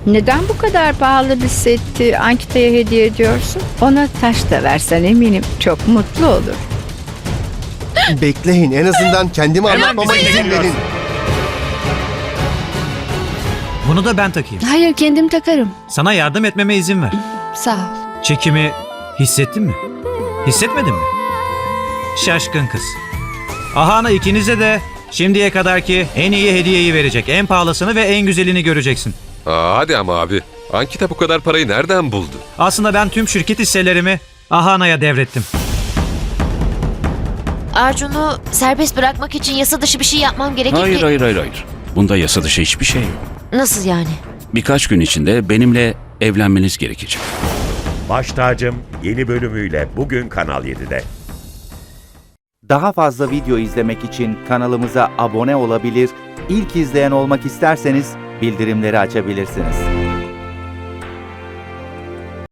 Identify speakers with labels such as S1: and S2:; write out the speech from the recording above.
S1: Neden bu kadar pahalı bir seti Ankita'ya hediye ediyorsun? Ona taş da versen eminim çok mutlu olur.
S2: Bekleyin, en azından kendimi
S3: Hemen
S2: anlatmama
S3: bize
S2: izin
S3: geliyorsun.
S2: verin.
S4: Bunu da ben takayım.
S5: Hayır, kendim takarım.
S4: Sana yardım etmeme izin ver.
S5: Sağ ol.
S4: Çekimi hissettin mi? Hissetmedin mi? Şaşkın kız. Ahana ikinize de şimdiye kadarki en iyi hediyeyi verecek. En pahalısını ve en güzelini göreceksin.
S6: Hadi ama abi. Ankita bu kadar parayı nereden buldu?
S4: Aslında ben tüm şirket hisselerimi Ahana'ya devrettim.
S7: Arjun'u serbest bırakmak için yasa dışı bir şey yapmam gerekir ki...
S3: Hayır. Bunda yasa dışı hiçbir şey yok.
S7: Nasıl yani?
S3: Birkaç gün içinde benimle evlenmeniz gerekecek.
S8: Baş Tacım yeni bölümüyle bugün Kanal 7'de.
S9: Daha fazla video izlemek için kanalımıza abone olabilir, ilk izleyen olmak isterseniz bildirimleri açabilirsiniz.